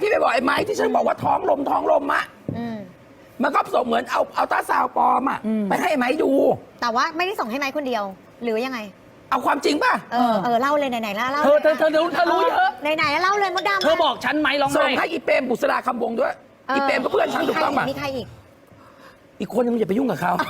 ที่ไปบอกไอ้ไม้ที่ฉันบอกว่าท้องลมอะมันก็ส่งเหมือนเอาตาซาวปลอมอะไปให้ไอ้ไม้ดูแต่ว่าไม่ได้ส่งให้ไม้คนเดียวหรือยังไงเอาความจริงป่ะเล่าเลยไหนๆเล่าเธอรู้เยอะไหนๆเล่าเลยมดดำเธอบอกฉันไหมร้องไห้ส่งให้อีเปรมบุษราคำวงด้วยอีเปรมก็เพื่อนฉันถูกต้องป่ะมีใครอีกอีกคนนึงอย่าไปยุ่งกับเขา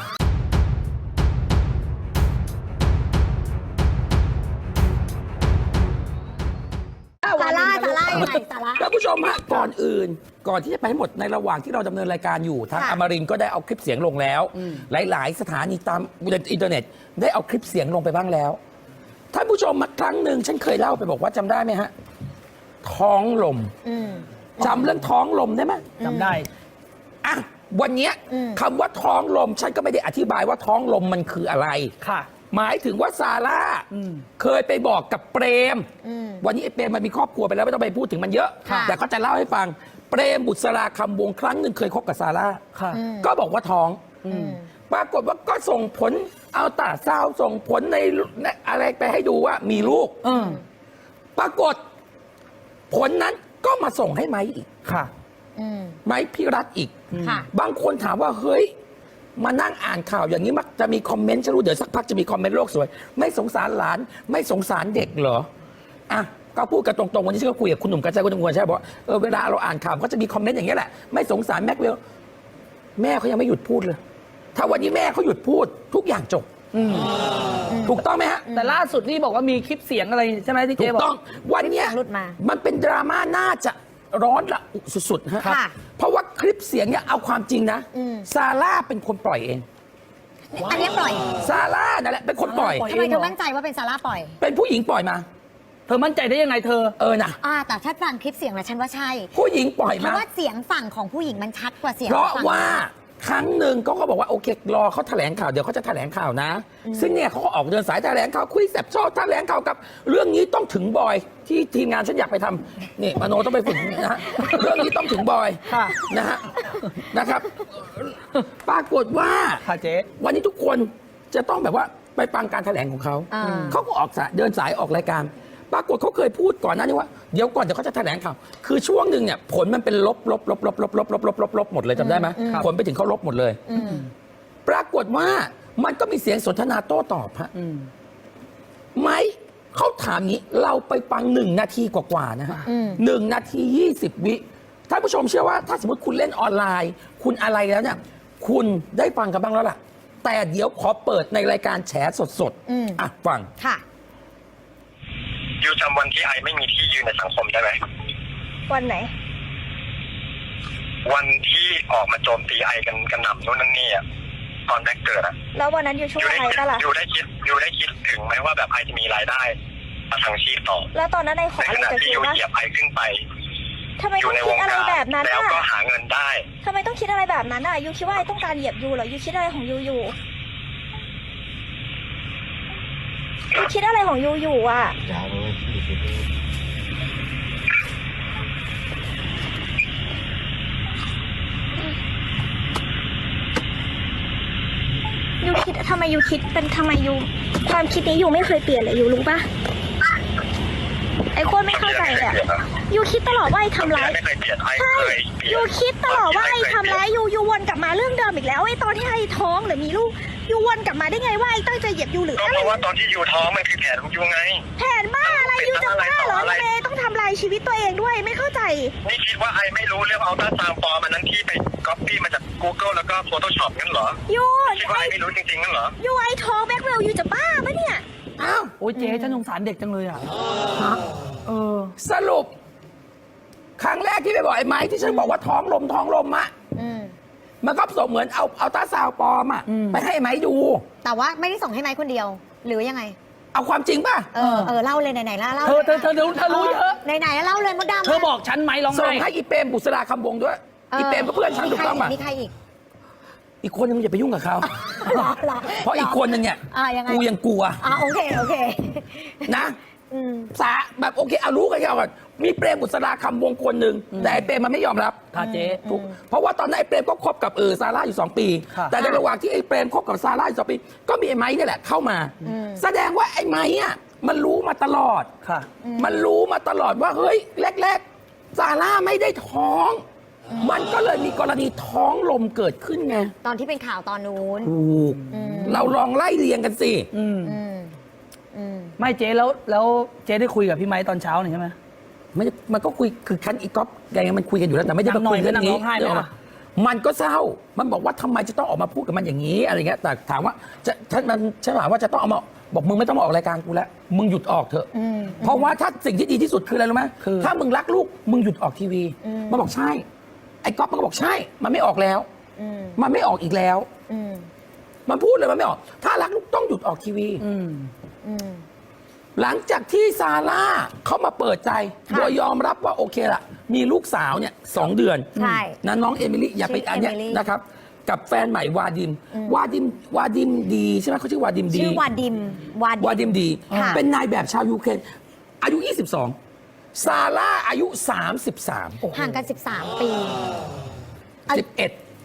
ซาร่ายังไงซาร่าท่านผู้ชมฮะก่อนที่จะไปให้หมดในระหว่างที่เราดำเนินรายการอยู่ทางอมรินทร์ก็ได้เอาคลิปเสียงลงแล้วหลายๆสถานีตามอินเทอร์เน็ตได้เอาคลิปเสียงลงไปบ้างแล้วท่านผู้ชมมาครั้งหนึ่งฉันเคยเล่าไปบอกว่าจำได้ไหมฮะท้องลมจำเรื่องท้องลมได้ไหมจำได้อ่ะวันนี้คำว่าท้องลมฉันก็ไม่ได้อธิบายว่าท้องลมมันคืออะไรค่ะหมายถึงว่าซาร่าเคยไปบอกกับเปรมวันนี้ไอ้เปรมมันมีครอบครัวไปแล้วไม่ต้องไปพูดถึงมันเยอะแต่ก็จะเล่าให้ฟังเปรมบุษราคำวงครั้งหนึ่งเคยคบกับซาร่าก็บอกว่าท้องปรากฏว่าก็ส่งผลเอาตาซาวส่งผลในอะไรไปให้ดูว่ามีลูกปรากฏผลนั้นก็มาส่งให้ไม้อีกไม้พิรัตอีกบางคนถามว่าเฮ้ยมานั่งอ่านข่าวอย่างนี้มักจะมีคอมเมนต์ฉันรู้เดี๋ยวสักพักจะมีคอมเมนต์โลกสวยไม่สงสารหลานไม่สงสารเด็กเหรออ่ะก็พูดกันตรงๆวันนี้ฉันก็คุยกับคุณหนุ่มกัญชัยคุณตำรวจใช่บอกเวลาเราอ่านข่าวก็จะมีคอมเมนต์อย่างนี้แหละไม่สงสารแม็กเวลแม่เขายังไม่หยุดพูดเลยถ้าวันนี้แม่เขาหยุดพูดทุกอย่างจบถูกต้องไหมฮะแต่ล่าสุดนี่บอกว่ามีคลิปเสียงอะไรใช่ไหมที่เจ๊บอกถูกต้องวันนี้มันเป็นดราม่าน่าจะร้อนระอุสุดๆฮะเพราะว่าคลิปเสียงเนี่ยเอาความจริงนะซาร่าเป็นคนปล่อยเองอันนี้ปล่อยซาร่านั่นแหละเป็นคนปล่อยทำไมเธอมั่นใจว่าเป็นซาร่าปล่อยเป็นผู้หญิงปล่อยมาเธอมั่นใจได้ยังไงเธอนะแต่ถ้าฟังคลิปเสียงแล้วฉันว่าใช่ผู้หญิงปล่อยมาเพราะว่าเสียงฝั่งของผู้หญิงมันชัดกว่าเสียงเพราะว่าครั้งหนึ่งก็บอกว่าโอเครอเขาแถลงข่าวเดี๋ยวเขาจะแถลงข่าวนะซึ่งเนี่ยเขาก็ออกเดินสายแถลงข่าวคุยแสบชอบแถลงข่าวกับเรื่องนี้ต้องถึงบอยที่ทีมงานฉันอยากไปทำนี่มโนต้องไปฝึกนะฮะเรื่องนี้ต้องถึงบอยนะฮะนะครับปรากฏว่าเจ๊วันนี้ทุกคนจะต้องแบบว่าไปฟังการแถลงของเขาเขาก็ออกเดินสายออกรายการปรากฏเขาเคยพูดก่อนหน้านี้ว่าเดี๋ยวเขาจะแถลงข่าวคือช่วงหนึ่งเนี่ยผลมันเป็นลบหมดเลยจำได้ไหมผลไปถึงเขาลบหมดเลยปรากฏว่ามันก็มีเสียงสนทนาโต้ตอบฮะไหมเขาถามนี้เราไปฟัง1 นาทีกว่าๆนะฮะ1 นาที 20 วิท่านผู้ชมเชื่อว่าถ้าสมมติคุณเล่นออนไลน์คุณอะไรแล้วเนี่ยคุณได้ฟังกันบ้างแล้วล่ะแต่เดี๋ยวขอเปิดในรายการแฉสดๆฟังค่ะยูจำวันที่ไอไม่มีที่ยืนในสังคมได้ไหมวันไหนวันที่ออกมาโจมตีไอกันกระหน่ำโน่นนั่นนี่อ่ะตอนแรกเกิดอ่ะแล้ววันนั้นยูช่วยไอปะล่ะยูได้คิดถึงไหมว่าแบบไอจะมีรายได้มาทางชีพต่อแล้วตอนนั้นไอขออะไรจากยูเหยียบไอขึ้นไปทำไมต้องคิดอะไรแบบนั้นแล้วก็หาเงินได้ทำไมต้องคิดอะไรแบบนั้นอ่ะยูคิดว่าไอต้องการเหยียบยูเหรอยูคิดอะไรของยูอยู่ยูคิดอะไรของยูอยู่อ่ะยูคิดทำไมยูคิดเป็นทำไมยูความคิดนี้ยูไม่เคยเปลี่ยนเลยยูรู้ปะไอ้คนไม่เข้าใจอ่ะยูคิดตลอดว่าไอ้ทำร้ายใช่ยูคิดตลอดว่าไอ้ทำร้ายยูวนกลับมาเรื่องเดิมอีกแล้วไอ้ตอนที่ไอ้ท้องหรือมีลูกยูวนกลับมาได้ไงว่าไอ้ตั้งใจเหยียบยูหรืออะไรเพราะว่าตอนที่ยูท้องมันคือแผนของยูไงแผนบ้าอะไรยูจะบ้าเหรอเมย์ต้องทำลายชีวิตตัวเองด้วยไม่เข้าใจนี่คิดว่าไอ้ไม่รู้เรื่องอัลตราซาวด์ฟอร์มนั้นที่ไปก๊อปปี้มาจาก Google แล้วก็ Photoshop งั้นเหรอยูคิดว่าไอ้ไม่รู้จริงๆงั้นเหรอยูไอ้ท้องแบ็คเวลยูจะบ้าปะเนี่ยอ้าวโอ้ยเจ๊ฉันสงสารเด็กจังเลยอ่ะสรุปครั้งแรกที่ไปบอกไอ้ไม้ที่ฉันบอกว่าท้องลมอะมันก็ส่งเหมือนเอาตาซาวปลอมอะไปให้ไม้ดูแต่ว่าไม่ได้ส่งให้ไม้คนเดียวหรือยังไงเอาความจริงป่ะเล่าเลยไหนๆเล่าเธอรู้เยอะไหนๆเล่าเลยมดดำเธอบอกฉันไหมร้องไห้ส่งให้อีเปรมบุษราคำวงด้วยอีเปรมก็เพื่อนฉันถูกต้องป่ะมีใครอีกคนนึงอย่าไปยุ่งกับเขาเพราะอีกคนนึงเนี่ยกูยังกลัวโอเคนะแบบโอเคเอารู้กันแค่ก่อนมีเปรมบุษราคำวงคนหนึ่งแต่ไอ้เปรมมันไม่ยอมรับเจ๊เพราะว่าตอนนั้นไอ้เปรมก็คบกับซาร่าอยู่2 ปีแต่ในระหว่างที่ไอ้เปรมคบกับซาร่าอยู่2 ปีก็มีไอ้ไม้นี่แหละเข้ามาแสดงว่าไอ้ไม้อะมันรู้มาตลอดมันรู้มาตลอดว่าเฮ้ยแรกๆซาร่าไม่ได้ท้อง มันก็เลยมีกรณีท้องลมเกิดขึ้นไงตอนที่เป็นข่าวตอนนู้นถูกเราลองไล่เรียงกันสิอืมไม่เจ๊แล้วเจ๊ได้คุยกับพี่ไม้ตอนเช้านี่ใช่ไหมไม่ได้มันก็คุยคือคันอีกก๊อฟยังไงมันคุยกันอยู่แล้วแต่ไม่ได้มาคุยเรื่องนี้นางร้องไห้ไหมล่ะมันก็เศร้ามันบอกว่าทำไมจะต้องออกมาพูดกับมันอย่างนี้อะไรเงี้ยแต่ถามว่าจะฉันถามว่าจะต้องเอามาบอกมึงไม่ต้องมาออกรายการกูแล้วมึงหยุดออกเถอะเพราะว่าถ้าสิ่งที่ดีที่สุดคืออะไรรู้ไหมถ้ามึงรักลูกมึงหยุดออกทีวีมันบอกใช่ไอ้ก๊อฟมันก็บอกใช่มันไม่ออกแล้วมันไม่ออกอีกแล้วมันพูดเลยมันไม่ออก ถ้ารักลูกต้องหยุดออกทีวีหลังจากที่ซาร่าเขามาเปิดใจค่ะโดยยอมรับว่าโอเคละมีลูกสาวเนี่ย2 เดือนใช่นะน้องเอมิลี่อย่าไปชื่ออันเนี้ยเอมิลี่นะครับ กับแฟนใหม่วาดิมดีใช่ไหมเขาชื่อวาดิมดีชื่อวาดิมวาดิมดีค่ะเป็นนายแบบชาวยูเครนอายุ 22 ซาร่าอายุ 33 ห่างกัน 13 ปี 11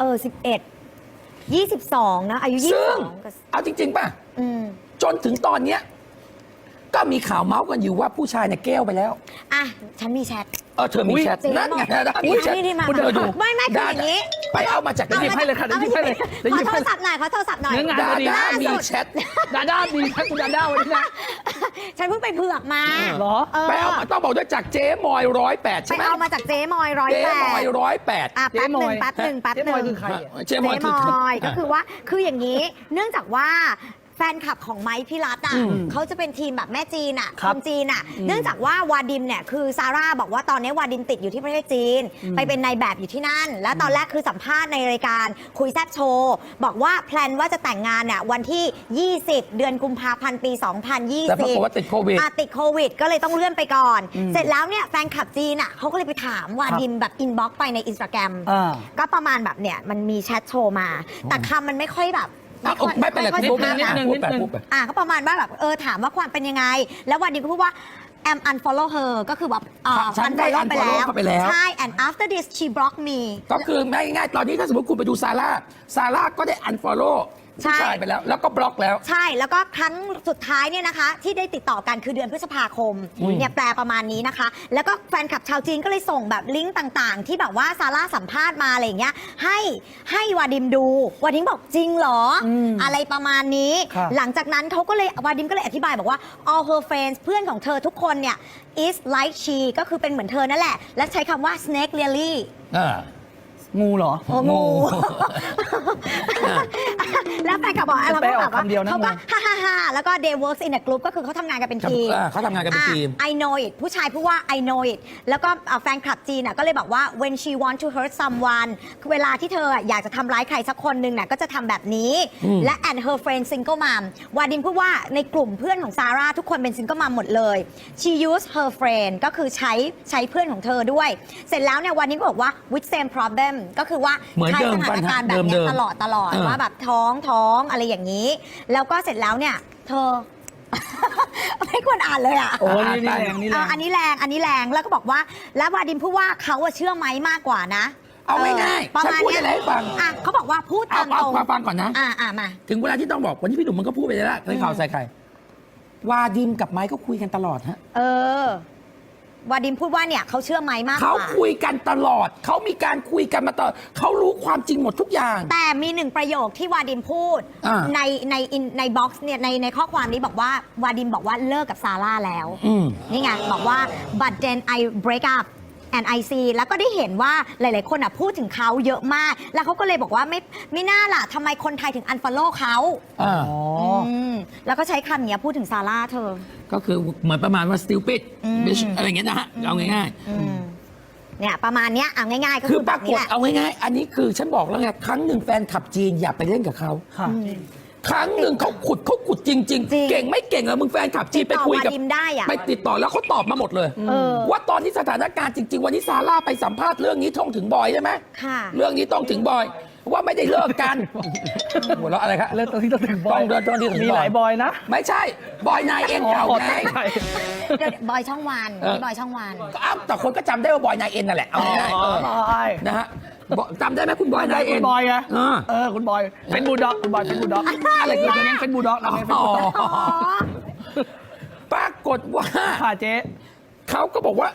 11 22 นะ อายุซึ่ง 22กับเอาจริง ๆ ป่ะอืมจนถึงตอนเนี้ยก็มีข่าวเมาส์กันอยู่ว่าผู้ชายเนี่ยแก้วไปแล้วอ่ะ ฉันมีแชทเธอมีแชทเจ๊นั่นไงบอกนะมีแชทนี่มาคุณเธอดูไม่คืออย่างนี้ไปเอามาจากไหนหยิบให้เลยค่ะเดี๋ยวหยิบให้เลยเดี๋ยวขหอยิบโทให้รศัพท์หน่อย ขอโทรศัพท์หน่อยเนื้องานดาพอดีด้าล่าสุดมีแชทดาด้าดีแค่คุณดาด้าวันนี้นะฉันเพิ่งไปเผือกมาเหรอไปเอามาต้องบอกด้วยจากเจ๊มอย108 ไปใช่ไหมเอามาจากเจ๊มอยเจ๊มอย 108 108 อ่ะเจ๊แป๊บมหอนึ่ยงแป๊บหนึ่งแป๊บเจ๊หมอยนึ่งคือใครอ่ะเจ๊มอยเจ๊มอยก็คือว่าคืออย่างนี้ เนื่องจากว่าแฟนคลับของไมค์พิรัตน์อ่ะเขาจะเป็นทีมแบบแม่จีนอ่ะครัคบนจีนอ่ะ เนื่องจากว่าวาดิมเนี่ยคือซาร่าบอกว่าตอนนี้วาดิมติดอยู่ที่ประเทศจีน ไปเป็นนายแบบอยู่ที่นั่น แล้วตอนแรกคือสัมภาษณ์ในรายการคุยแซบโชว์บอกว่าแพลนว่าจะแต่งงานเนี่ยวันที่ 20 เดือนกุมภาพันธ์ปี 2020 แต่ปรากฏว่าติดโควิดติดโควิดก็เลยต้องเลื่อนไปก่อน เสร็จแล้วเนี่ยแฟนคลับจีนอ่ะเขาก็เลยไปถามวาดิมแบบอินบ็อกซ์ไปในอินสตาแกรมอ่าก็ประมาณแบบเนี่ยมันมีแชทโชว์มา แต่คำมันไม่ค่อยแบบไม่เป็นไรค่อยพูดสุภาพไปนะพูดไปพูดไปก็ประมาณว่าแบบถามว่าความเป็นยังไง แล้ววันนี้ก็พูดว่า am unfollow her ก็คือแบบฉันได้ unfollow unfollow เข้าไปแล้วใช่ and after this she blocked me ก็คือง่ายๆตอนนี้ถ้าสมมติคุณไปดูซาร่าก็ได้ unfollow ใช่ผู้ชายไปแล้ว แล้วก็บล็อกแล้วใช่ แล้วก็ครั้งสุดท้ายเนี่ยนะคะ ที่ได้ติดต่อกันคือเดือนพฤษภาคมเนี่ยแปลประมาณนี้นะคะ แล้วก็แฟนคลับชาวจีนก็เลยส่งแบบลิงก์ต่างๆ ที่แบบว่าซาร่าสัมภาษณ์มาอะไรอย่างเงี้ยให้วาดิมดูวาดิมบอกจริงเหรออะไรประมาณนี้ครับหลังจากนั้นเขาก็เลยวาดิมก็เลยอธิบายบอกว่า all her friends เพื่อนของเธอทุกคนเนี่ย is like she ก็คือเป็นเหมือนเธอนั่นแหละ และใช้คำว่า snake really งูเหรอโอ้งู แล้วแฟนคลับบอกอะไรแปลก็อแบอกบว่าคำเดียวนะเขาก็งูฮ่าแล้วก็ they works in a group ก็คือเขาทำงานกันเป็นทีมเขาทำงานกันเป็นทีม I know it ผู้ชายพูดว่า I know it แล้วก็แฟนคลับจีนก็เลยบอกว่า when she want to hurt someone คือเวลาที่เธออยากจะทำร้ายใครสักคนหนึ่งน่ะก็จะทำแบบนี้ และ and her friend single mom วาดิมพูดว่าในกลุ่มเพื่อนของซาร่าทุกคนเป็น single mom หมดเลย she use her friend ก็คือใช้เพื่อนของเธอด้วย เสร็จแล้วเนี่ยวาดิมก็บอกว่า with same problem ก็คือว่าเหมือนใช้เดิมสถานการณ์แบบเดิเนี้ยมตลอดว่าแบบท้องอะไรอย่างนี้ แล้วก็เสร็จแล้วเนี่ยเธอ ไม่ควรอ่านเลยอ่ะโอ้นี่แรงนี่แรงอันนี้แรงแล้วก็บอกว่าแล้ววาดิมพูดว่าเขาเชื่อไหมมากกว่านะเอาง่ายๆประฉันมาณพูดเนี้ยอะไรให้ฟังเขาบอกว่าพูดตามตเอารงฟังก่อนนะมาถึงเวลาที่ต้องบอกวันนี้พี่หนุ่มมันก็พูดไปแล้วในข่าวใส่ไข่วาดิมกับไมค์ก็คุยกันตลอดฮะวาดิมพูดว่าเนี่ยเขาเชื่อไหมมากกเขาว่าคุยกันตลอดเขามีการคุยกันมาตลอดเขารู้ความจริงหมดทุกอย่างแต่มีหนึ่งประโยคที่วาดิมพูดอ่าในบ็อกซ์เนี่ยในข้อความนี้บอกว่าวาดิมบอกว่าเลิกกับซาร่าแล้วอืมนี่ไงบอกว่า but then I break up and I see แล้วก็ได้เห็นว่าหลายๆคนพูดถึงเขาเยอะมาก แล้วเขาก็เลยบอกว่าไม่น่าล่ะทำไมคนไทยถึง unfollow เขาอ่าแล้วก็ใช้คำเนี้ยพูดถึงซาร่าเธอก็คือเหมือนประมาณว่า stupid bitch อะไรอย่างเงี้ยนะฮะเอาง่ายเนี่ยประมาณเนี้ยเอาง่ายๆก็ๆ คืคือ อปแบราบกนี้ฏแหละเอาง่ายๆอันนี้คือฉันบอกแล้วไงครั้งหนึ่งแฟนขับจีนอย่าไปเล่นกับเขาค่ะครั้งหนึ่งเขาขุดจริง ๆ เก่งไม่เก่งอะมึงแฟนขับจีนไปคุยกับติดต่อวาดิมได้อะไปติดต่อแล้วเขาตอบมาหมดเลย ว่าตอนนี้สถานการณ์จริง ๆ วันนี้ซาร่าไปสัมภาษณ์เรื่องนี้ท่องถึงบอยใช่ไหมค่ะเรื่องนี้ต้องถึงบอย ว่าไม่ได้เลิกกันหัวเราะอะไรครับเริ่มตรงที่ต้องถึงบอยต้องที่ถึงบอยมีหลายบอยนะไม่ใช่บอยนายเอ็นเก่าไงใช่เดี๋ยวบอยช่องวันนี่บอยช่องวันก็อ้าวแต่คนก็จำได้ว่าบอยนายเอ็นนั่นแหละเอาง่ายๆบอยนะฮะจำได้ไหมคุณบอยนายคุเอ็นณบอยไงเออคุณบอยเป็นบูลด็อกคุณบอยเป็นบูลด็อกอะไรคือเราเน้นเป็นบูลด็อกเราเน้นเป็นบูลด็อกปรากฏว่าค่ะเจ๊เขาก็บอกว่า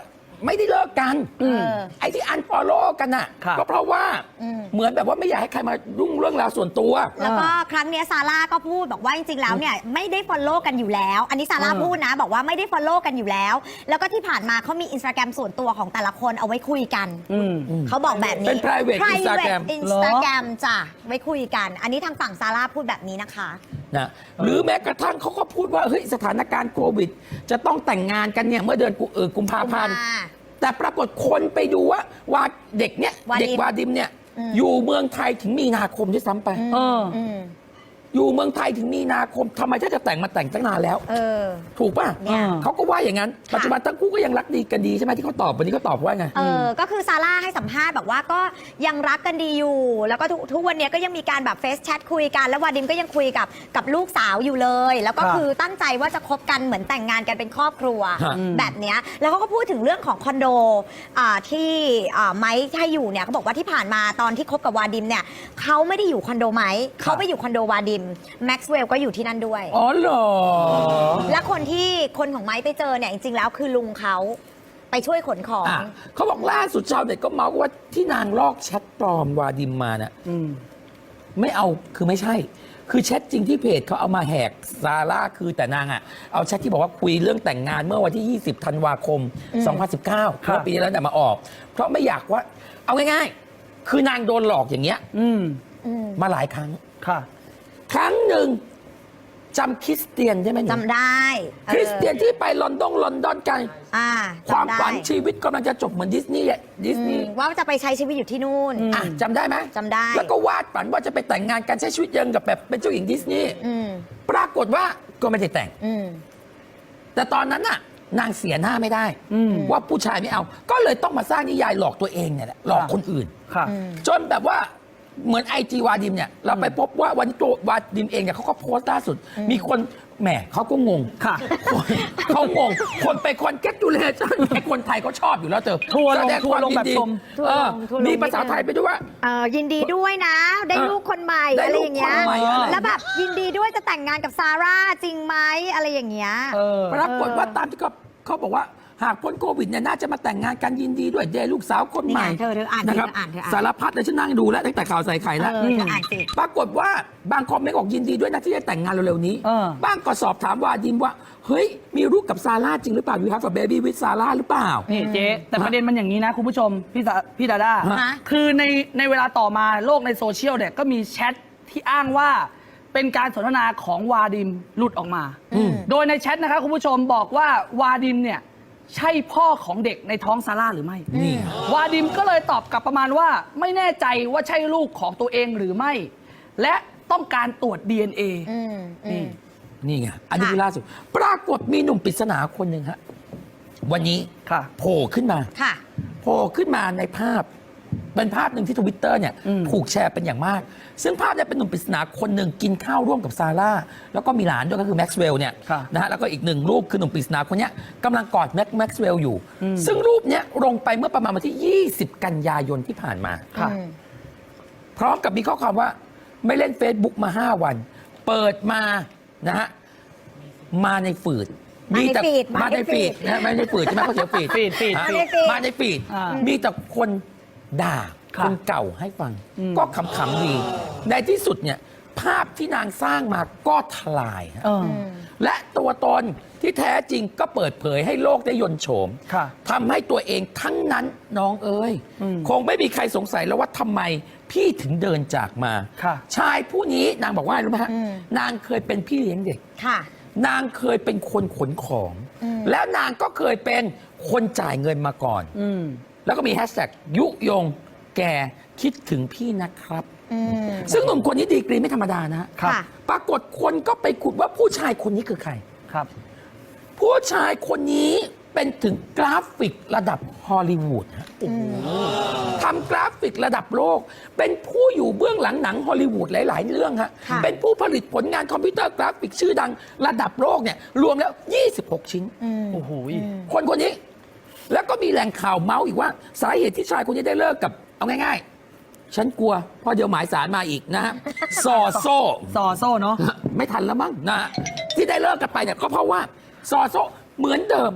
ไม่ได้เลิกกันไอ้ที่อันฟอลโล่กันน่ะครับก็เพราะว่าเหมือนแบบว่าไม่อยากให้ใครมายุ่งเรื่องราวส่วนตัวแล้วก็ครั้งเนี้ยซาร่าก็พูดบอกว่าจริงๆแล้วเนี่ยไม่ได้ follow กันอยู่แล้ว อันนี้ซาร่าพูดนะ บอกว่าไม่ได้ follow กันอยู่แล้ว แล้วก็ที่ผ่านมาเขามี Instagram ส่วนตัวของแต่ละคนเอาไว้คุยกัน เขาบอกแบบนี้เป็น private Instagram Instagram จ้ะไว้คุยกัน อันนี้ทางฝั่งซาร่าพูดแบบนี้นะคะนะหรือแม้กระทั่งเขาก็พูดว่าเฮ้ยสถานการณ์โควิด จะต้องแต่งงานกันเนี่ยเมื่อเดือนกุมภาพันธ์แต่ปรากฏคนไปดูว่าเด็กเนี่ยวาดิมเด็กวาดิมเนี่ยอยู่เมืองไทยถึงมีนาคมด้วยซ้ำไป อยู่เมืองไทยถึงมีนาคมทำไมถ้าจะแต่งมาแต่งตั้งนานแล้ว ถูกป่ะเนี่ยเขาก็ว่าอย่างนั้น ปัจจุบันทั้งคู่ก็ยังรักดีกันดีใช่ไหมที่เขาตอบวันนี้เขาตอบว่าไงก็คือซาร่าให้สัมภาษณ์แบบว่าก็ยังรักกันดีอยู่ แล้วก็ทุกวันนี้ก็ยังมีการแบบเฟซแชทคุยกัน แล้ววาดิมก็ยังคุยกับลูกสาวอยู่เลย แล้วก็ครับคือตั้งใจว่าจะคบกันเหมือนแต่งงานกันเป็นครอบครัวฮะแบบเนี้ยแล้วเขาก็พูดถึงเรื่องของคอนโดที่ไมค์ให้อยู่เนี่ยเขาบอกว่าที่ผ่านมาตอนที่คบกับวาดิมเนี่ยเขาไม่ได้อยู่คอนโดไมค์เขาไปอยู่คอนโดวาดิมแม็กซ์เวลก็อยู่ที่นั่นด้วยอ๋อเหรอและคนของไม้ไปเจอเนี่ยจริงๆแล้วคือลุงเขาไปช่วยขนของอ่ะเขาบอกล่าสุดชาวเน็ตก็เมาส์ว่าที่นางลอกแชทปลอมวาดิมมาเนี่ย ไม่เอาคือไม่ใช่ คือแชทจริงที่เพจเขาเอามาแหกซาร่าคือแต่นางอ่ะเอาแชทที่บอกว่าคุยเรื่องแต่งงานเมื่อวันที่ 20 ธันวาคม 2019 ครัเมื่บอปีที่แล้วเนี่ยมาออก เพราะไม่อยากว่า เอาง่ายๆ คือนางโดนหลอกอย่างเงี้ยมาหลายครั้งค่ะครั้งหนึ่งจำคริสเตียนใช่ไหมหนูจำได้คริสเตียนที่ไปลอนดอนกัน ความจำได้ฝันชีวิตกำลังจะจบเหมือนดิสนีย์อะดิสนีย์ว่าจะไปใช้ชีวิตอยู่ที่นู่นอ่ะจำได้ไหมจำได้แล้วก็วาดฝันว่าจะไปแต่งงานกันใช้ชีวิตยังกับแบบเป็นเจ้าหญิงดิสนีย์ ปรากฏว่าก็ไม่ได้แต่ง แต่ตอนนั้นน่ะ นางเสียหน้าไม่ได้ ว่าผู้ชายไม่เอา ก็เลยต้องมาสร้างนิยายหลอกตัวเองเนี่ยแหละหลอกคนอื่นค่ะจนแบบว่าเหมือนไอจีวาดิมเนี่ย เราไปพบว่าวันนี้ตัววาดิมเองเนี่ยเขาก็โพสต์ล่าสุด มีคนแหมเขาก็งงค่ะเขางง คนไปคอนแกตูเลชั่นไอ้คนไทยเขาชอบอยู่แล้วเจอทัวร์ลงแสดความแบบยินดีชมทัวร์ลงทัวร์ลงมีภาษาไทยไปด้วยว่ายินดีด้วยนะ ได้ลูกคนใหม่ได้อะไรลูกอย่างเงี้ยคนใหม่อะไรแล้วแบบยินดีด้วยจะแต่งงานกับซาร่าจริงไหมอะไรอย่างเงี้ยปรากฏว่าตามที่เขาบอกว่าหากพ้นโควิดเนี่ยน่าจะมาแต่งงานกันยินดีด้วยได้ลูกสาวคนใหม่นี่ไงเธออ่านสินะครับเธออ่านเธออ่านสารพัดเลยฉันนั่งดูแล้วตั้งแต่ข่าวใส่ไข่แล้วเธออ่านสิปรากฏว่าบางคอมเมนต์บอกยินดีด้วยนะที่จะแต่งงานเร็วๆนี้ บ้างก็สอบถามวาดิมว่า เฮ้ย มีลูกกับซาร่าจริงหรือเปล่า You have a baby with ซาร่าหรือเปล่านี่เจ๊แต่ประเด็นมันอย่างนี้นะคุณผู้ชมพี่ดาด้าฮะคือในเวลาต่อมาโลกในโซเชียลเนี่ยก็มีแชทที่อ้างว่าเป็นการสนทนาของวาดิมหลุดออกมา โดยในแชทนะคะคุณผู้ชมบอกว่าวาดิมเนี่ยใช่พ่อของเด็กในท้องซาร่าหรือไม่นี่วาดิมก็เลยตอบกลับประมาณว่าไม่แน่ใจว่าใช่ลูกของตัวเองหรือไม่ และต้องการตรวจ DNA นี่นี่ไง อันนี้คือล่าสุด ปรากฏมีหนุ่มปริศนาคนหนึ่งฮะ วันนี้ค่ะโผล่ขึ้นมาค่ะโผล่ขึ้นมาในภาพ เป็นภาพหนึ่งที่ Twitter เนี่ยถูกแชร์เป็นอย่างมาก ซึ่งภาพเนี่ยเป็นหนุ่มปริศนาคนหนึ่งกินข้าวร่วมกับซาร่า แล้วก็มีหลานด้วยก็คือแม็กซ์เวลล์เนี่ยค่ะนะฮะแล้วก็อีกหนึ่งรูปคือหนุ่มปริศนาคนเนี้ยกำลังกอดแม็กซ์เวลล์อยู่ ซึ่งรูปเนี้ยลงไปเมื่อประมาณวันที่ 20 กันยายนที่ผ่านมาค่ะพร้อมกับมีข้อความว่าไม่เล่น Facebook มา 5 วัน เปิดมานะฮะมาในฝืดมาในฟีดมาในฟีดนะไม่ในฝืดใช่ไหมเขาเขียนฟีดฟีดฮะมาในฟีดมาในฟีดอ่ามีมีแต่คนด่าค่ะคนเก่าให้ฟัง ก็ขำๆดี ในที่สุดเนี่ยภาพที่นางสร้างมาก็ทลายฮะ และตัวตนที่แท้จริงก็เปิดเผยให้โลกได้ยนต์โฉมค่ะทำให้ตัวเองทั้งนั้นน้องเอ้ย คงไม่มีใครสงสัยแล้วว่าทำไมพี่ถึงเดินจากมาค่ะชายผู้นี้นางบอกว่าอะไรรู้ไหมฮะนางเคยเป็นพี่เลี้ยงเด็กค่ะนางเคยเป็นคนขนของ แล้วนางก็เคยเป็นคนจ่ายเงินมาก่อน แล้วก็มีแฮชแท็กยุยงแกคิดถึงพี่นะครับ ซึ่งหนุ่มคนนี้ดีกรีไม่ธรรมดานะฮะค่ะปรากฏคนก็ไปขุดว่าผู้ชายคนนี้คือใครครับผู้ชายคนนี้เป็นถึงกราฟิกระดับฮอลลีวูดฮะทำกราฟิกระดับโลก เป็นผู้อยู่เบื้องหลังหนังฮอลลีวูดหลาย ๆ เรื่องฮะค่ะเป็นผู้ผลิตผลงานคอมพิวเตอร์กราฟิกชื่อดังระดับโลกเนี่ยรวมแล้ว 26 ชิ้นโอ้โหคนนี้ แล้วก็มีแหล่งข่าวเมาส์อีกว่า สาเหตุที่ชายคนนี้ได้เลิกกับเอาง่าย ๆ ฉันกลัวเพราะเดี๋ยวหมายสารมาอีกนะฮะ ซอโซ่ซอโซ่เนาะไม่ทันแล้วมั้งนะฮะที่ได้เลิกกันไปเนี่ยก็เพราะว่าซอโซเหมือนเดิม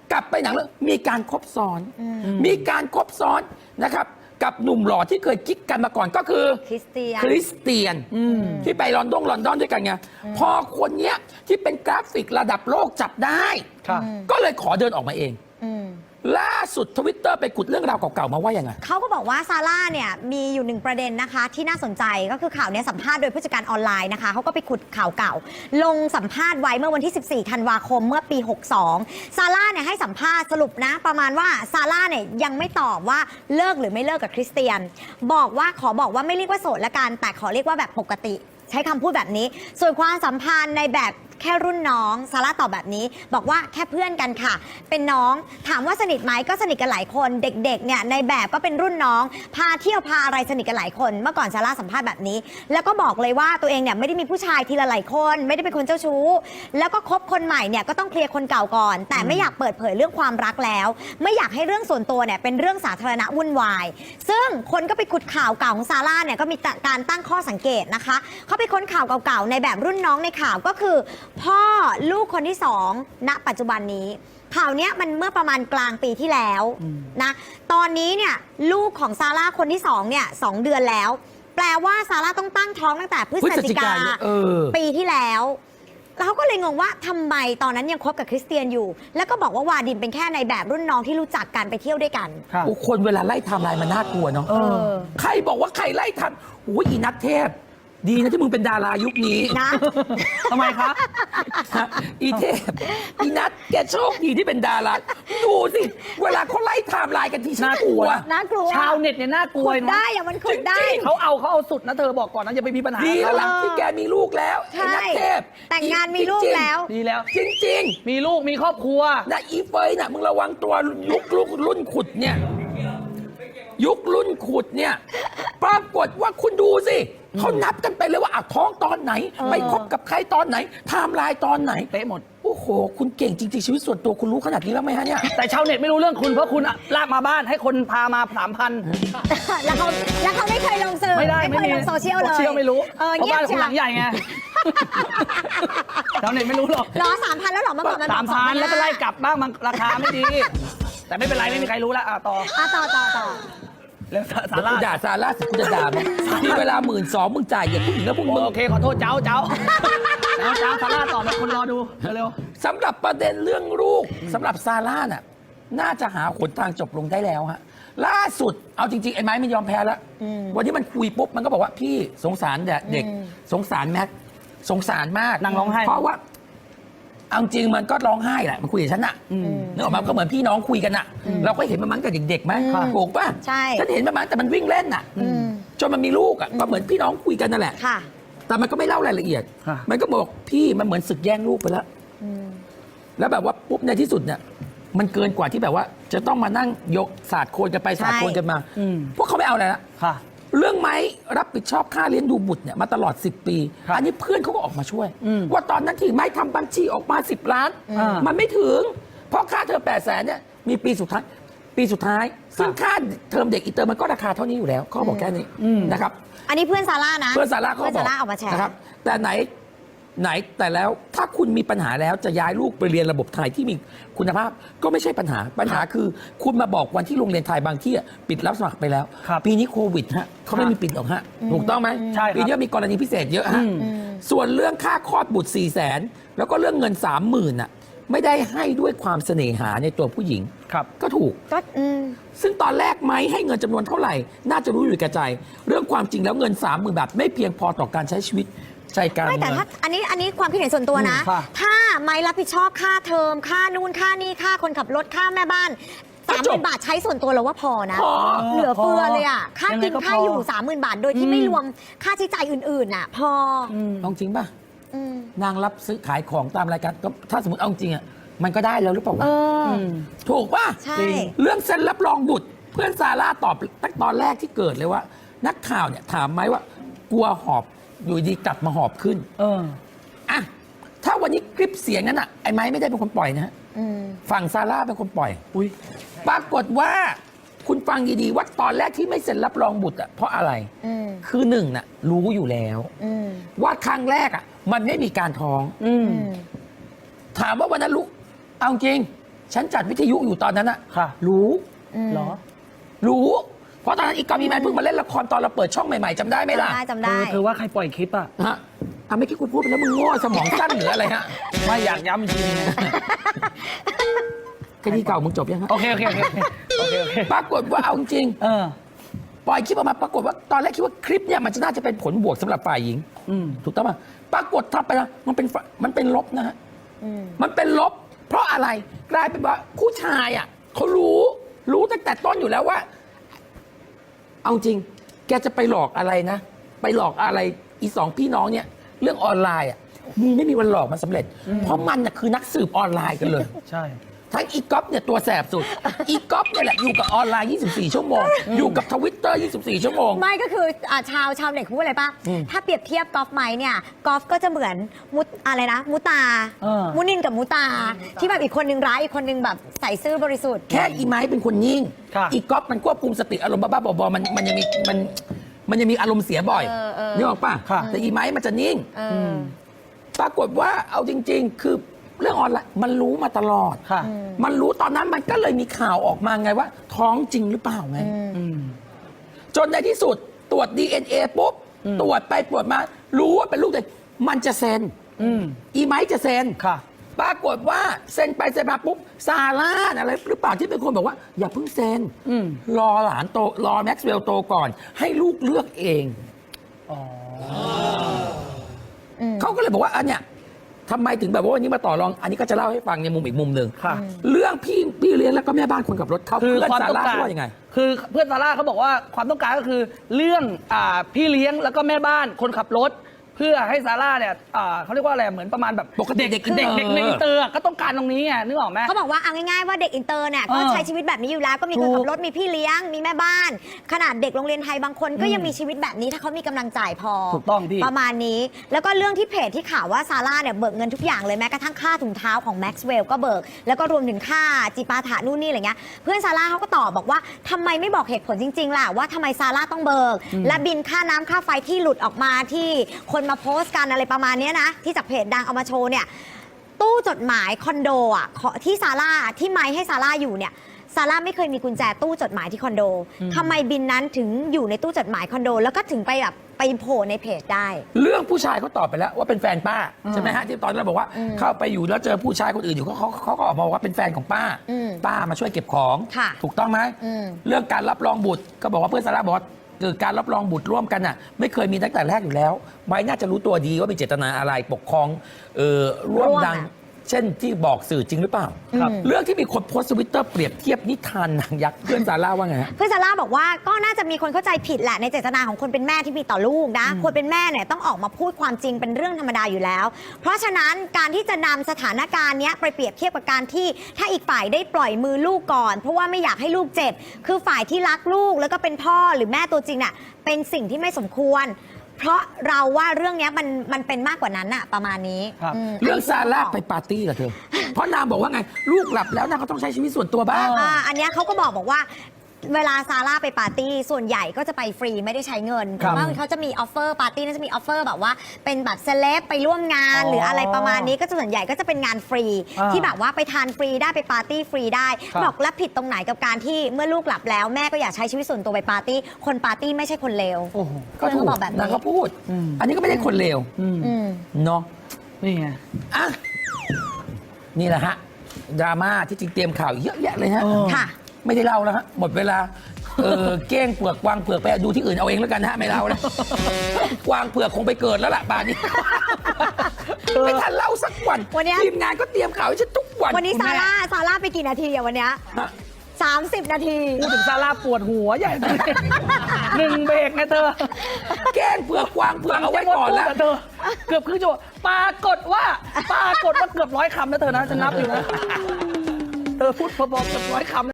กลับไปหนังเรื่องมีการคบซ้อน มีการคบซ้อนนะครับ กับหนุ่มหล่อที่เคยกิ๊กกันมาก่อนก็คือคริสเตียนคริสเตียนที่ไปลอนดอนด้วยกันไงพอคนเนี้ยที่เป็นกราฟิกระดับโลกจับได้ครับก็เลยขอเดินออกมาเองอืมล่าสุดทวิตเตอร์ไปขุดเรื่องราวเก่าๆมาว่ายังไงเขาก็บอกว่าซาร่าเนี่ยมีอยู่หนึ่งประเด็นนะคะ ที่น่าสนใจก็คือข่าวเนี้ยสัมภาษณ์โดยผู้จัดการออนไลน์นะคะเขาก็ไปขุดข่าวเก่า ลงสัมภาษณ์ไว้เมื่อวันที่ 14 ธันวาคมเมื่อปี 62 ซาร่าเนี่ยให้สัมภาษณ์สรุปนะ ประมาณว่าซาร่าเนี่ยยังไม่ตอบว่าเลิกหรือไม่เลิกกับคริสเตียน บอกว่าไม่เรียกว่าโสดละกันแต่ขอเรียกว่าแบบปกติ ใช้คำพูดแบบนี้ ส่วนความสัมพันธ์ในแบบแค่รุ่นน้องซาร่าตอบแบบนี้ บอกว่าแค่เพื่อนกันค่ะ เป็นน้องถามว่าสนิทไหมก็สนิทกันหลายคนเด็กๆเนี่ยในแบบก็เป็นรุ่นน้อง พาเที่ยวพาอะไรสนิทกันหลายคน เมื่อก่อนซาร่าสัมภาษณ์แบบนี้ แล้วก็บอกเลยว่าตัวเองเนี่ยไม่ได้มีผู้ชายทีละหลายคน ไม่ได้เป็นคนเจ้าชู้ แล้วก็คบคนใหม่เนี่ยก็ต้องเคลียร์คนเก่าก่อน แต่ไม่อยากเปิดเผยเรื่องความรักแล้ว ไม่อยากให้เรื่องส่วนตัวเนี่ยเป็นเรื่องสาธารณะวุ่นวาย ซึ่งคนก็ไปขุดข่าวเก่าของซาร่าเนี่ยก็มีการตั้งข้อสังเกตนะคะเขาไปค้นข่าวเก่าๆในแบบรุ่นน้องในข่าวก็คือพ่อลูกคนที่สองณปัจจุบันนี้ข่าวเนี้ยมันเมื่อประมาณกลางปีที่แล้วนะตอนนี้เนี่ยลูกของซาร่าคนที่สองเนี่ย2 เดือนแล้ว แปลว่าซาร่าต้องตั้งท้องตั้งแต่พฤศจิกา ปีที่แล้วแล้วเขาก็เลยงงว่าทำไมตอนนั้นยังคบกับคริสเตียนอยู่ แล้วก็บอกว่าวาดิมเป็นแค่ในแบบรุ่นน้องที่รู้จักกันไปเที่ยวด้วยกันครับโอ้คนเวลาไล่ไทม์ไลน์มันน่ากลัวเนาะใครบอกว่าใครไล่ทันโอ้ยอีนัทเทพ ดีนะที่มึงเป็นดารายุคนี้นะทำไมครับอีเทพอีนัทแกโชคดีที่เป็นดาราดูสิ เวลาเขาไล่ไทม์ไลน์กันทีฉันน่าก กลัลัววน่ากลัวชาวเน็ตเนี่ยน่ากลัวขุดนะได้อะมันขุดได้เขาเอาสุดนะเธอบอกก่อนนะอย่าไปมีปัญหาดีแล้วล่ะเออที่แกมีลูกแล้วใช่ไอ้นัทเทพแต่งงานมีลูกแล้วดีแล้วจริงมีลูกมีครอบครัวๆนะอีเฟยน่ะมึงระวังตัวยุครุ่นขุดเนี่ย ยุครุ่นขุดเนี่ย ปรากฏว่าคุณดูสิเขานับกันไปเลยว่าท้องตอนไหน ไปคบกับใครตอนไหนไทม์ไลน์ตอนไหนเป๊ะหมดโอ้โห คุณเก่งจริงๆ ชีวิตส่วนตัวคุณรู้ขนาดนี้แล้วไหมฮะเนี่ยแต่ชาวเน็ตไม่รู้เรื่องคุณเพราะคุณอะลากมาบ้านให้คนพามา 3,000 แล้วเขาไม่เคยลงสื่อไม่ได้เคยลงโซเชียลเลยโซเชียลไม่รู้เงียบเพราะบ้านคุณหลังใหญ่ไง ชาวเน็ตไม่รู้หรอกรอ3,000แล้วเหรอเมื่อก่อนมันบอก 3,000แล้วก็ไล่กลับบ้างมันราคาไม่ดี แต่ไม่เป็นไรไม่มีใครรู้แล้วต่อต่อแล้วสาเดี๋ยวระกูด่าซาร่าสิกูจะด่ามึงมีเวลา12,000มึงจ่ายอย่างผู้หญิงแล้วพวกมึงโอเคขอโทษเจ้าสาระต่อมาคนรอดูเร็วสำหรับประเด็นเรื่องลูกสำหรับซาร่าน่ะน่าจะหาหนทางจบลงได้แล้วฮะล่าสุดเอาจริงๆไอ้ไม้มันยอมแพ้แล้ววันนี้มันคุยปุ๊บมันก็บอกว่าพี่สงสารเด็กสงสารแม็กสงสารมากนางร้องไห้เพราะว่าเอาจริงมันก็ร้องไห้แหละมันคุยกับฉันน่ะนึกออกมาก็เหมือนพี่น้องคุยกันน่ะ เราก็เห็นมันตั้งแต่เด็กๆไหมถูกป่ะใช่ฉันเห็นมันมาแต่มันวิ่งเล่นน่ะจนมันมีลูกอ่ะก็เหมือนพี่น้องคุยกันนั่นแหละค่ะแต่มันก็ไม่เล่ารายละเอียดค่ะมันก็บอกพี่มันเหมือนศึกแย่งลูกไปแล้ว แล้วแบบว่าปุ๊บในที่สุดเนี่ยมันเกินกว่าที่แบบว่า จะต้องมานั่งยกศาสตร์โคนกันไปศาสตร์โคนกันมา พวกเขาไม่เอาอะไรละค่ะเรื่องไม้รับผิดชอบค่าเลี้ยงดูบุตรเนี่ยมาตลอด 10 ปีครับอันนี้เพื่อนเขาก็ออกมาช่วยอืมว่าตอนนั้นที่ไม้ทำบัญชีออกมา 10 ล้าน มันไม่ถึง เพราะค่าเทอม800,000เนี่ยมีปีสุดท้าย ซึ่งค่าเทอมเด็กอินเตอร์มันก็ราคาเท่านี้อยู่แล้วเขาบอกแค่นี้นะครับอันนี้เพื่อนซาร่านะเพื่อนซาร่าเขาเพื่อนบอซาก ร่าออกมาแชร์นะครับแต่ไหนแต่แล้วถ้าคุณมีปัญหาแล้วจะย้ายลูกไปเรียนระบบไทยที่มีคุณภาพก็ไม่ใช่ปัญหาคือคุณมาบอกวันที่โรงเรียนไทยบางที่อะปิดรับสมัครไปแล้วครับปีนี้โควิดฮะเขาไม่มีปิดหรอกฮะถูกต้องไหมใช่ครับปีนี้มีกรณีพิเศษเยอะฮะส่วนเรื่องค่าคลอดบุตร400,000แล้วก็เรื่องเงิน 30,000น่ะไม่ได้ให้ด้วยความเสน่หาในตัวผู้หญิงครับก็ถูกก็ซึ่งตอนแรกไม้ให้เงินจำนวนเท่าไหร่ น่าจะรู้อยู่แก่ใจ เรื่องความจริงแล้วเงิน 30,000 บาทไม่เพียงพอต่อการใช้ชีวิตใจกลางไม่เมืแต่องถ้าอันนี้ความคิดเห็นส่วนตัวนะค่ะถ้าไม่รับผิดชอบค่าเทอมค่านู่นค่านี่ค่าคนขับรถค่าแม่บ้านก็จบ 30,000 บาทใช้ส่วนตัวเราว่าพอนะพอเหลือเฟือเลยอ่ะค่ายังไงกินก็ค่าพออยู่ 30,000 บาท โดยที่ไม่รวมค่าใช้จ่ายอื่นๆน่ะ พอลองจริงป่ะอืมนางรับซื้อขายของตามรายการก็ถ้าสมมติเอาจริงอ่ะมันก็ได้แล้วหรือเปล่าวะ ถูกป่ะใช่จริงเรื่องเซ็นรับรองบุตร เพื่อนซาร่าตอบตั้งตอนแรกที่เกิดเลยว่า นักข่าวเนี่ยถามไหมว่ากลัวหอบอยู่ดีกลับมาหอบขึ้น อ่ะถ้าวันนี้คลิปเสียงนั้นอ่ะไอ้ไม้ไม่ได้เป็นคนปล่อยนะฮะฝั่งซาร่าเป็นคนปล่อยอุ้ยปรากฏว่าคุณฟังดีๆว่าตอนแรกที่ไม่เซ็นรับรองบุตรอ่ะเพราะอะไร คือหนึ่งน่ะรู้อยู่แล้วว่าครั้งแรกอ่ะมันไม่มีการท้องถามว่าวันนั้นรู้เอาจริงฉันจัดวิทยุอยู่ตอนนั้นอะค่ะรู้เหรอรู้ เพราะตอนนั้นอีกอฟอีแมนเพิ่งมาเล่นละครตอนเราเปิดช่องใหม่ๆจำได้ไหมล่ะจำได้เธอว่าใครปล่อยคลิปอ่ะฮะไม่คิดกูพูดไปแล้วมึงโง่สมองสั้นหรืออะไรฮะไม่อยากย้ำอีกทีนึงไงคดีเก่ามึงจบยังฮะโอเคโอเคโอเคโอเคโอเคปรากฏว่าเอาจริงเออปล่อยคลิปออกมาปรากฏว่าตอนแรกคิดว่าคลิปเนี่ยมันจะน่าจะเป็นผลบวกสำหรับฝ่ายหญิงอืมถูกต้องป่ะปรากฏทำไปแล้วมันเป็นลบนะฮะมันเป็นลบ เพราะอะไรกลายเป็นว่าผู้ชายอ่ะเขารู้ตั้งแต่ต้นอยู่แล้วว่า เอาจริง แกจะไปหลอกอะไรนะ ไปหลอกอะไรอีสองพี่น้องเนี่ย เรื่องออนไลน์อ่ะมึงไม่มีวันหลอกมันสำเร็จ เพราะมันน่ะคือนักสืบออนไลน์กันเลยใช่ทั้งอีก๊อฟเนี่ยตัวแสบสุด อีก๊อฟเนี่ยแหละอยู่กับออนไลน์ 24 ชั่วโมง อยู่กับทวิตเตอร์ 24 ชั่วโมงไม่ก็คือชาวเน็ตเขาพูดอะไรป่ะ ถ้าเปรียบเทียบกอล์ฟไม้เนี่ยกอล์ฟก็จะเหมือนอะไรนะมุตา มุนินกับมุตา ที่แบบอีกคนนึงร้ายอีกคนนึงแบบใส่ซื่อบริสุทธิ์แค่อีไม้เป็นคนนิ่งค่ะอีก๊อฟมันควบคุมสติอารมณ์บ้าๆบอๆมันยังมีอารมณ์เสียบ่อยนึกออกป่ะค่ะแต่อีไม้มันจะนิ่ง ปรากฏว่าเอาจริง ๆ คือเรื่องออนไลน์มันรู้มาตลอดค่ะมันรู้ตอนนั้นมันก็เลยมีข่าวออกมาไงว่า ท้องจริงหรือเปล่าไงอืมจนในที่สุดตรวจ DNA ปุ๊บ ตรวจไปตรวจมา รู้ว่าเป็นลูกเด็กมันจะเซ็นอืมอีไม้จะเซ็นค่ะปรากฏว่าเซ็นไปเซ็นมาปุ๊บซาร่าอะไรหรือเปล่าที่เป็นคนบอกว่า อย่าเพิ่งเซ็นอืมรอหลานโตรอแม็กซ์เวลล์โตก่อน ให้ลูกเลือกเองอ๋อเขาก็เลยบอกว่าอันเนี้ยทำไมถึงแบบว่าวันนี้มาต่อรอง อันนี้ก็จะเล่าให้ฟังในมุมอีกมุมหนึ่งค่ะเรื่องพี่เลี้ยงแล้วก็แม่บ้านคนขับรถเขาคือเพื่อนความซาต้องร่าการว่ายังไงคือเพื่อนซาร่าเขาบอกว่าความต้องการก็คือเรื่องพี่เลี้ยงแล้วก็แม่บ้านคนขับรถ เพื่อให้ซาร่าเนี่ยเขาเรียกว่าอะไรเหมือนประมาณแบบปกติเด็กอินเตอร์เด็กในอินเตอร์ก็ต้องการตรงนี้ไงนึกออกไหมเขาบอกว่าเอาง่ายๆว่าเด็กอินเตอร์เนี่ยก็เออใช้ชีวิตแบบนี้อยู่แล้วก็มีคนถูกขับรถมีพี่เลี้ยงมีแม่บ้าน ขนาดเด็กโรงเรียนไทยบางคนก็ยังมีชีวิตแบบนี้ถ้าเขามีกำลังจ่ายพอถูกต้องพี่ประมาณนี้ แล้วก็เรื่องที่เพจที่ข่าวว่าซาร่าเนี่ยเบิกเงินทุกอย่างเลยแม้กระทั่งค่าถุงเท้าของแม็กซ์เวลก็เบิกแล้วก็รวมถึงค่าจิปาถะนู่นนี่อะไรเงี้ยเพื่อนซาร่าเขาก็ตอบบอกว่าทำไมไม่บอกเหตุผลจริงๆล่ะว่าทำไมซาร่าต้องเบิกและบินค่าน้ำค่าไฟที่หลุดออกมาที่คนมาโพสต์กันอะไรประมาณเนี้ยนะที่จากเพจดังเอามาโชว์เนี่ยตู้จดหมายคอนโดอ่ะที่ซาร่าที่ไมค์ให้ซาร่าอยู่เนี่ยซาร่าไม่เคยมีกุญแจตู้จดหมายที่คอนโดทำไมบินนั้นถึงอยู่ในตู้จดหมายคอนโด แล้วก็ถึงไปแบบไปโผล่ในเพจได้เรื่องผู้ชายเขาตอบไปแล้วว่าเป็นแฟนป้าใช่ไหมฮะที่ตอนนั้นเราบอกว่าเข้าไปอยู่แล้วเจอผู้ชายคนอื่นอยู่เขาก็ออกมาบอกว่าเป็นแฟนของป้า ป้ามาช่วยเก็บของค่ะถูกต้องไหมเรื่องการรับรองบุตรก็บอกว่าเพื่อนซาร่าบอกว่าการรับรองบุตรร่วมกันน่ะไม่เคยมีตั้งแต่แรกอยู่แล้วไม้น่าจะรู้ตัวดีว่ามีเจตนาอะไรปกครองร่วมดัง เช่นที่บอกสื่อจริงหรือเปล่าครับเรื่องที่มีคนโพสต์ทวิตเตอร์เปรียบเทียบนิทานนางยักษ์เพื่อนซาร่าว่าไงฮะเพื่อนซาร่าบอกว่าก็น่าจะมีคนเข้าใจผิดแหละในเจตนาของคนเป็นแม่ที่มีต่อลูกนะคนเป็นแม่เนี่ยต้องออกมาพูดความจริงเป็นเรื่องธรรมดาอยู่แล้ว เพราะฉะนั้นการที่จะนำสถานการณ์เนี้ยไปเปรียบเทียบกับการที่ถ้าอีกฝ่ายได้ปล่อยมือลูกก่อน เพราะว่าไม่อยากให้ลูกเจ็บคือฝ่ายที่รักลูกแล้วก็เป็นพ่อหรือแม่ตัวจริงน่ะเป็นสิ่งที่ไม่สมควร เพราะเราว่าเรื่องเนี้ยมันเป็นมากกว่านั้นอะประมาณนี้ครับเรื่องซาร่าไปปาร์ตี้กับเธอ เพราะนางบอกว่าไงลูกหลับแล้วนางก็ต้องใช้ชีวิตส่วนตัวบ้างอันเนี้ยเขาก็บอกว่าเวลาซาร่าไปปาร์ตี้ส่วนใหญ่ก็จะไปฟรีไม่ได้ใช้เงินครับเพราะว่าเขาจะมีออฟเฟอร์ปาร์ตี้น่าจะมีออฟเฟอร์แบบว่าเป็นแบบเซเลบไปร่วมงานอ๋อหรืออะไรประมาณนี้ก็ส่วนใหญ่ก็จะเป็นงานฟรี ที่แบบว่าไปทานฟรีได้ไปปาร์ตี้ฟรีได้ครับบอกแล้วผิดตรงไหนกับการที่เมื่อลูกหลับแล้วแม่ก็อยากใช้ชีวิตส่วนตัวไปปาร์ตี้คนปาร์ตี้ไม่ใช่คนเลวโอ้โหก็ถูกเขาบอกแบบนางนี้ก็พูด อันนี้ก็ไม่ได้คนเลวอืมอืมเนาะนี่ไงอ่ะนี่แหละฮะดราม่าที่จริงเตรียมข่าวเยอะแยะเลยฮะค่ะไม่ได้เล่าแล้วฮะหมดเวลาเก้งเปลือกกวางเปลือกไปดูที่อื่นเอาเองแล้วกันนะฮะไม่เล่าแล้วกวางเปลือกคงไปเกิดแล้วล่ะป่านนี้ไม่ทันเล่าสักวันวันเนี้ยทีมงานก็เตรียมข่าวให้ฉันทุกวันวันนี้ซาร่าไปกี่นาทีอะวันเนี้ยฮะ 30 นาทีพูดถึงซาร่าปวดหัวใหญ่เลยหนึ่งเบรกนะเธอแกล้งเปลือกกวางเปลือกเอาไว้ก่อนแล้วเธอเกือบครึ่งชั่วโมงปรากฏว่าเกือบ100 คำนะเธอนะจะนับอยู่นะเธอพูดพอๆเกือบ100 คำ